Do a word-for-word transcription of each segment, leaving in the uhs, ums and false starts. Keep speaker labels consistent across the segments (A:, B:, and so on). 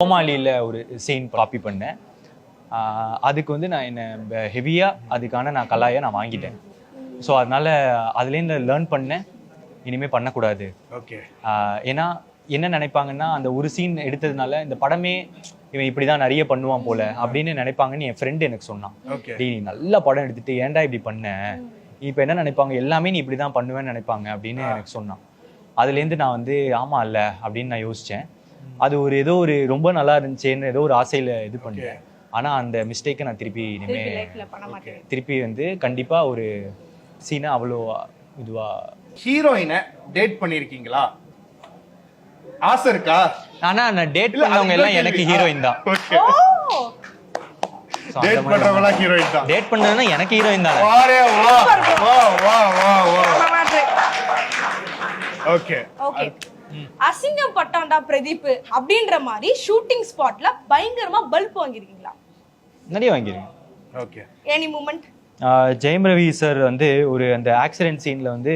A: கோமாளியில் ஒரு scene copy பண்ணேன். அதுக்கு வந்து நான் என்ன ஹெவியாக அதுக்கான நான் கலாயை நான் வாங்கிட்டேன். ஸோ அதனால அதுலேருந்து லேர்ன் பண்ணேன், இனிமேல் பண்ணக்கூடாது.
B: ஓகே.
A: ஏன்னா என்ன நினைப்பாங்கன்னா, அந்த ஒரு சீன் எடுத்ததுனால இந்த படமே இவன் இப்படி தான் நிறைய பண்ணுவான் போல அப்படின்னு நினைப்பாங்கன்னு என் ஃப்ரெண்டு எனக்கு சொன்னான். நீ நல்ல படம் எடுத்துட்டு ஏன்டா இப்படி பண்ண, இப்போ என்ன நினைப்பாங்க, எல்லாமே நீ இப்படி தான் பண்ணுவேன்னு நினைப்பாங்க அப்படின்னு எனக்கு சொன்னான். அதுலேருந்து நான் வந்து ஆமா இல்ல அப்படின்னு நான் யோசித்தேன். அது ஒரு ஏதோ ஒரு ரொம்ப நல்லா இருந்துச்சேன்னு ஏதோ ஒரு ஆசையில் இது பண்ணேன். ஆனால் அந்த மிஸ்டேக்கை நான் திருப்பி இனிமேல் திருப்பி வந்து கண்டிப்பாக ஒரு சீனை அவ்வளோ இதுவா.
B: ஹீரோயினை டேட் பண்ணியிருக்கீங்களா? ஆசை இருக்கா?
A: ஆனா நான் டேட் பண்ணவங்க எல்லாம் எனக்கு ஹீரோயின் தான்.
B: டேட் பண்றவங்களா ஹீரோயின் தான்.
A: டேட் பண்ணதுனா எனக்கு ஹீரோயின் தான்.
B: வாரே வா வா வா வா வா. Okay
C: okay. அசிங்கம் பட்டாண்டா பிரதீப் அப்படின்ற மாதிரி ஷூட்டிங் ஸ்பாட்ல பயங்கரமா பல்ப் வாங்கிருக்கீங்களா?
A: நிறைய வாங்கிருக்கேன்.
B: Okay.
C: Any moment?
A: Jayam Ravi sir வந்து ஒரு அந்த ஆக்சிடென்ட் சீன்ல வந்து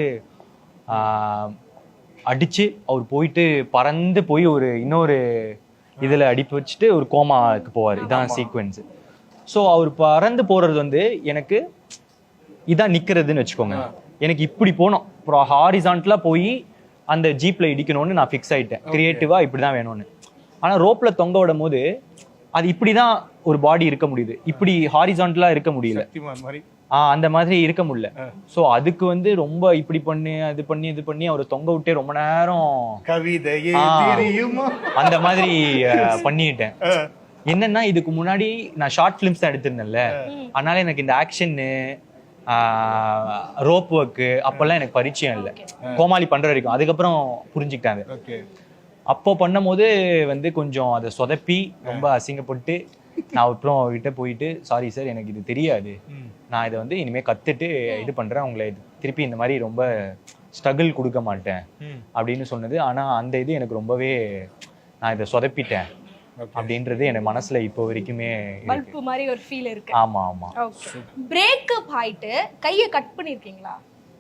A: அடிச்சு அவர் போயிட்டு பறந்து போய் ஒரு இன்னொரு இதுல அடிப்பு வச்சுட்டு ஒரு கோமாக்கு போவார். இதான் சீக்வென்ஸ். ஸோ அவர் பறந்து போறது வந்து எனக்கு இதான் நிக்கிறதுன்னு வச்சுக்கோங்க. எனக்கு இப்படி போனோம், அப்புறம் ஹாரிசான்டலா போய் அந்த ஜீப்ல இடிக்கணும்னு நான் ஃபிக்ஸ் ஆயிட்டேன். கிரியேட்டிவா இப்படிதான் வேணும்னு. ஆனா ரோப்ல தொங்க விடும் போது அது இப்படிதான் ஒரு பாடி இருக்க முடியுது, இப்படி ஹாரிசான்டலா இருக்க முடியல. ஆஹ் அந்த மாதிரி இருக்க முடியல. சோ அதுக்கு வந்து ரொம்ப இப்படி பண்ணி அது பண்ணி இது பண்ணி அவர் தொங்க விட்டே ரொம்ப நேரம் அந்த மாதிரி பண்ணிட்டேன். என்னன்னா இதுக்கு முன்னாடி நான் ஷார்ட் பிலிம்ஸ் தான் எடுத்திருந்தேன்ல, அதனால எனக்கு இந்த ஆக்ஷன்னு ரோப் ஒர்க்கு அப்பெல்லாம் எனக்கு பரிச்சயம் இல்லை. கோமாளி பண்ற வரைக்கும் அதுக்கப்புறம் புரிஞ்சுக்கிட்டாங்க. அப்போ பண்ணும் போது வந்து கொஞ்சம் அதை சொதப்பி ரொம்ப அசிங்கப்பட்டு நான் அப்புறம் அவர்கிட்ட போயிட்டு சாரி சார் எனக்கு இது தெரியாது, நான் இதை வந்து இனிமேல் கற்றுட்டு இது பண்ணுறேன், உங்களை திருப்பி இந்த மாதிரி ரொம்ப ஸ்ட்ரகிள் கொடுக்க மாட்டேன் அப்படின்னு சொன்னது. ஆனால் அந்த இது எனக்கு ரொம்பவே நான் இதை சொதப்பிட்டேன் அப்படின்றது எனக்கு மனசுல இப்போ வரைக்குமே
C: பல்ப் மாதிரி ஒரு ஃபீல் இருக்கு.
A: ஆமா ஆமா.
C: பிரேக்கப் ஆயிட்டு கையை கட் பண்ணிருக்கீங்களா?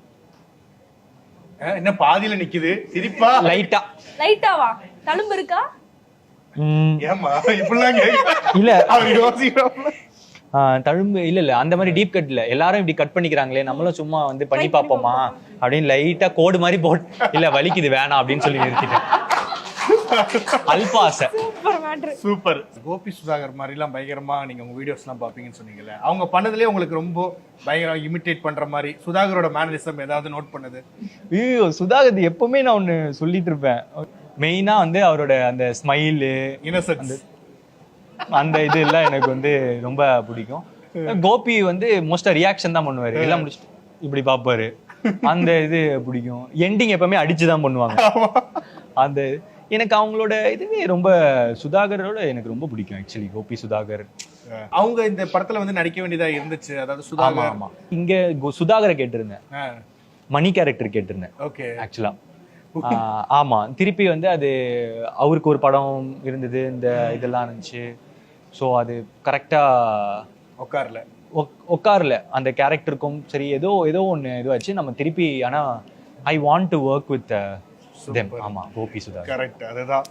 B: என்ன பாதியில நிக்குது சிரிப்பா?
A: லைட்டா
C: லைட்டாவா? தழும்பு இருக்கா?
B: ஏமா இப்படிலாம்
A: இல்ல
B: அவர் யோசிக்கிறாங்க.
A: தழும்பு இல்ல இல்ல அந்த மாதிரி டீப் கட் இல்ல. எல்லாரும் இப்படி கட் பண்ணிக்கிறாங்களே, நம்மளும் சும்மா வந்து பண்ணி பார்ப்போமா அப்படின்னு லைட்டா கோடு மாதிரி போட்டு இல்ல வலிக்குது வேணாம் அப்படின்னு சொல்லி நிறுத்திட்டேன். அல்பாசை.
B: சூப்பர். கோபி சுதாகர் மாதிரி எல்லாம் பயங்கரமா நீங்க உங்க வீடியோஸ் எல்லாம் பாப்பீங்கன்னு சொன்னீங்கல்ல, அவங்க பண்ணதுலயே உங்களுக்கு ரொம்ப பயங்கரமா இமிட்டேட் பண்ற மாதிரி சுதாகரோட மேனரிசம் ஏதாவது நோட் பண்ணது?
A: ஐயோ சுதாகர் எப்பவுமே நான் ஒண்ணு சொல்லிட்டு இருப்பேன். மெயினா வந்து அவரோட அந்த ஸ்மைலு,
B: இன்னசென்ஸ்,
A: அந்த இது எல்லாம் எனக்கு வந்து ரொம்ப பிடிக்கும். கோபி வந்து மோஸ்டா ரியாக்ஷன் தான் பண்ணுவாரு, எல்லாம் முடிச்சுட்டு இப்படி பாப்பாரு. அந்த இது பிடிக்கும். எண்டிங் எப்பவுமே அடிச்சுதான் பண்ணுவாங்க. அந்த எனக்கு அவங்களோட இதுவே ரொம்ப சுதாகரோட எனக்கு ரொம்ப பிடிக்கும் ஆக்சுவலி. கோபி சுதாகர்
B: அவங்க இந்த படத்துல வந்து நடிக்க வேண்டியதா இருந்துச்சு. அதாவது சுதாகர்.
A: ஆமா இங்க சுதாகரை கேட்டிருந்தேன், மணி கேரக்டர் கேட்டிருந்தேன்.
B: ஓகே.
A: ஆக்சுவலா ஆமா திருப்பி வந்து அது அவருக்கு ஒரு படம் இருந்தது, இந்த இதெல்லாம் இருந்துச்சு. ஸோ அது கரெக்டா
B: உட்கார்ல
A: உட்கார்ல அந்த கேரக்டருக்கும் சரி ஏதோ ஏதோ ஒன்று இதுவாச்சு நம்ம திருப்பி. ஆனா I want to work with them. ஆமா கோபி சுதாகர்.
B: கரெக்ட். அதுதான்